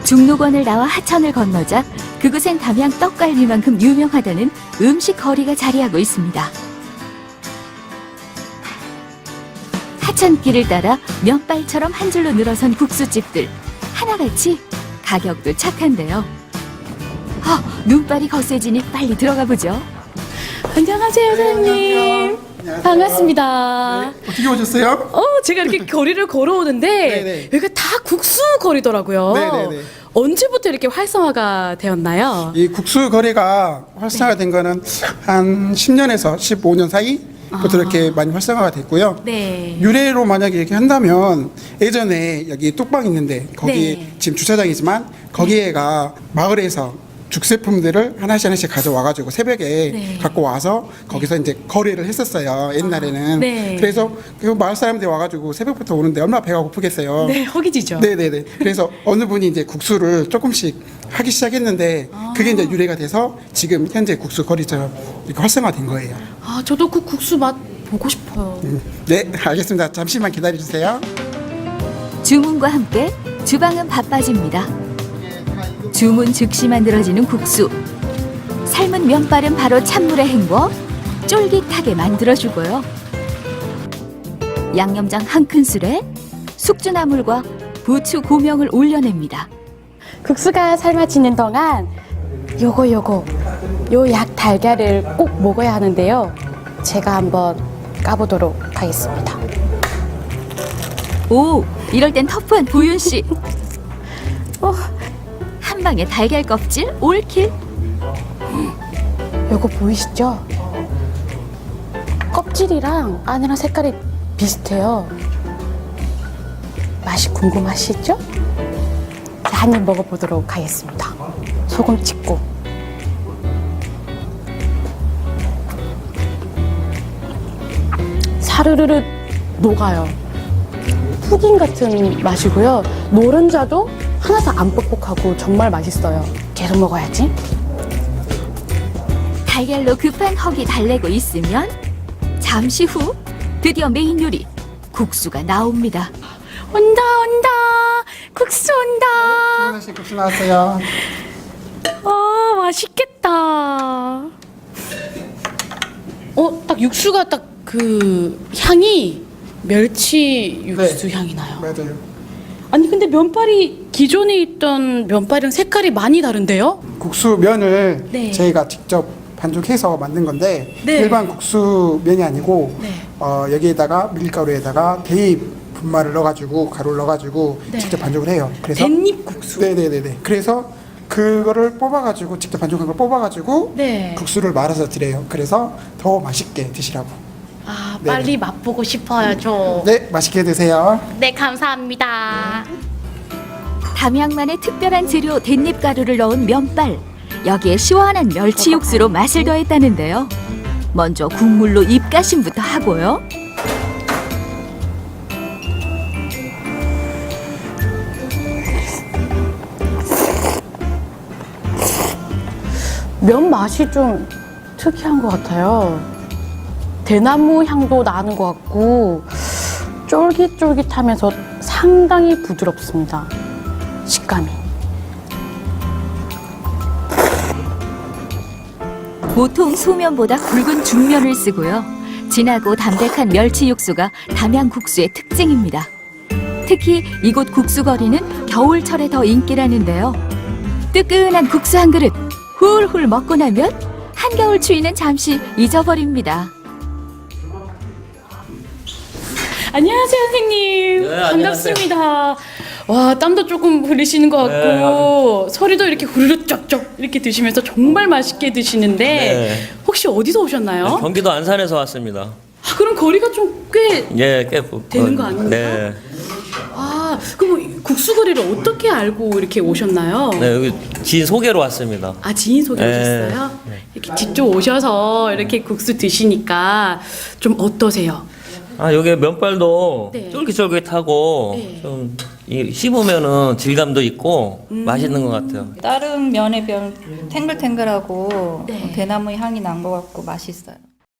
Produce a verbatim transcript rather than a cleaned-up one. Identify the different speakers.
Speaker 1: 중록원을 나와 하천을 건너자 그곳엔 담양 떡갈비만큼 유명하다는 음식 거리가 자리하고 있습니다. 하천길을 따라 면발처럼 한 줄로 늘어선 국수집들 하나같이 가격도 착한데요. 아, 눈발이 거세지니 빨리 들어가 보죠.
Speaker 2: 안녕하세요, 사장님.
Speaker 3: 안녕하세요.
Speaker 2: 반갑습니다.
Speaker 3: 네, 어떻게 오셨어요?
Speaker 2: 어, 제가 이렇게 거리를 걸어오는데
Speaker 3: 네네.
Speaker 2: 여기가 다 국수 거리더라고요.
Speaker 3: 네네네.
Speaker 2: 언제부터 이렇게 활성화가 되었나요?
Speaker 3: 이 국수 거래가 활성화된 거는 한 십 년에서 십오 년 사이부터
Speaker 2: 아.
Speaker 3: 이렇게 많이 활성화가 됐고요.
Speaker 2: 네.
Speaker 3: 유래로 만약에 이렇게 한다면 예전에 여기 뚝방 있는데 거기
Speaker 2: 네.
Speaker 3: 지금 주차장이지만 거기에가 마을에서 죽제품들을 하나씩 하나씩 가져와가지고 새벽에
Speaker 2: 네.
Speaker 3: 갖고 와서 거기서 이제 거래를 했었어요. 옛날에는.
Speaker 2: 아, 네.
Speaker 3: 그래서 그 마을 사람들이 와가지고 새벽부터 오는데 얼마나 배가 고프겠어요.
Speaker 2: 네, 허기지죠.
Speaker 3: 네네네. 그래서 어느 분이 이제 국수를 조금씩 하기 시작했는데 그게 이제 유래가 돼서 지금 현재 국수 거리처럼 이렇게 활성화된 거예요.
Speaker 2: 아, 저도 그 국수 맛 보고 싶어요.
Speaker 3: 음, 네, 알겠습니다. 잠시만 기다려주세요.
Speaker 1: 주문과 함께 주방은 바빠집니다. 주문 즉시 만들어지는 국수. 삶은 면발은 바로 찬물에 헹궈 쫄깃하게 만들어주고요. 양념장 한 큰술에 숙주나물과 부추 고명을 올려냅니다.
Speaker 2: 국수가 삶아지는 동안 요거 요거 요 약 달걀을 꼭 먹어야 하는데요. 제가 한번 까보도록 하겠습니다.
Speaker 1: 오, 이럴 땐 터프한 도윤 씨.
Speaker 2: 어,
Speaker 1: 한 방에 달걀 껍질 올킬.
Speaker 2: 요거 보이시죠? 껍질이랑 안이랑 색깔이 비슷해요. 맛이 궁금하시죠? 한 입 먹어보도록 하겠습니다. 소금 찍고. 사르르르 녹아요. 푸딩 같은 맛이고요. 노른자도 하나도 안 뻑뻑하고 정말 맛있어요. 계속 먹어야지.
Speaker 1: 달걀로 급한 허기 달래고 있으면 잠시 후 드디어 메인 요리 국수가 나옵니다.
Speaker 2: 온다 온다 국수 온다.
Speaker 3: 하나씩 국수 나왔어요.
Speaker 2: 아 맛있겠다. 어 딱 육수가 딱 그 향이 멸치 육수
Speaker 3: 네.
Speaker 2: 향이 나요.
Speaker 3: 맞아요.
Speaker 2: 아니 근데 면발이 기존에 있던 면발이랑 색깔이 많이 다른데요?
Speaker 3: 국수 면을
Speaker 2: 네.
Speaker 3: 저희가 직접 반죽해서 만든 건데
Speaker 2: 네.
Speaker 3: 일반 국수 면이 아니고
Speaker 2: 네.
Speaker 3: 어, 여기에다가 밀가루에다가 대입 분말을 넣어가지고 가루를 넣어가지고
Speaker 2: 네.
Speaker 3: 직접 반죽을 해요. 그래서
Speaker 2: 깻잎 국수.
Speaker 3: 네네네네. 그래서 그거를 뽑아가지고 직접 반죽한 걸 뽑아가지고
Speaker 2: 네.
Speaker 3: 국수를 말아서 드려요. 그래서 더 맛있게 드시라고.
Speaker 2: 아
Speaker 3: 네네.
Speaker 2: 빨리 맛보고 싶어요 저.
Speaker 3: 네, 맛있게 드세요.
Speaker 2: 네 감사합니다.
Speaker 1: 담양만의 특별한 재료 댄잎가루를 넣은 면발. 여기에 시원한 멸치 육수로 맛을 더했다는데요. 먼저 국물로 입가심부터 하고요.
Speaker 2: 면 맛이 좀 특이한 것 같아요. 대나무 향도 나는 것 같고 쫄깃쫄깃하면서 상당히 부드럽습니다. 식감이.
Speaker 1: 보통 소면보다 굵은 중면을 쓰고요. 진하고 담백한 멸치 육수가 담양 국수의 특징입니다. 특히 이곳 국수거리는 겨울철에 더 인기라는데요. 뜨끈한 국수 한 그릇 훌훌 먹고 나면 한겨울 추위는 잠시 잊어버립니다.
Speaker 2: 안녕하세요 선생님.
Speaker 4: 네, 안녕하세요.
Speaker 2: 반갑습니다. 와 땀도 조금 흘리시는 것 같고
Speaker 4: 네,
Speaker 2: 소리도 이렇게 후루룩 쩍쩍 이렇게 드시면서 정말 맛있게 드시는데
Speaker 4: 네.
Speaker 2: 혹시 어디서 오셨나요?
Speaker 4: 경기도 안산에서 왔습니다.
Speaker 2: 아, 그럼 거리가 좀 꽤
Speaker 4: 예, 꽤 부-
Speaker 2: 되는 거 아닙니까?
Speaker 4: 네.
Speaker 2: 아, 그럼 국수거리를 어떻게 알고 이렇게 오셨나요?
Speaker 4: 네, 여기 지인 소개로 왔습니다.
Speaker 2: 아, 지인 소개
Speaker 4: 네.
Speaker 2: 오셨어요? 이렇게 직접 오셔서 이렇게 국수 드시니까 좀 어떠세요?
Speaker 4: 아, 여기 면발도
Speaker 2: 네.
Speaker 4: 쫄깃쫄깃하고
Speaker 2: 네.
Speaker 4: 좀 이- 씹으면은 질감도 있고
Speaker 2: 음.
Speaker 4: 맛있는 것 같아요.
Speaker 5: 다른 면에 비하면 탱글탱글하고
Speaker 2: 네.
Speaker 5: 대나무 향이 난 것 같고 맛있어요.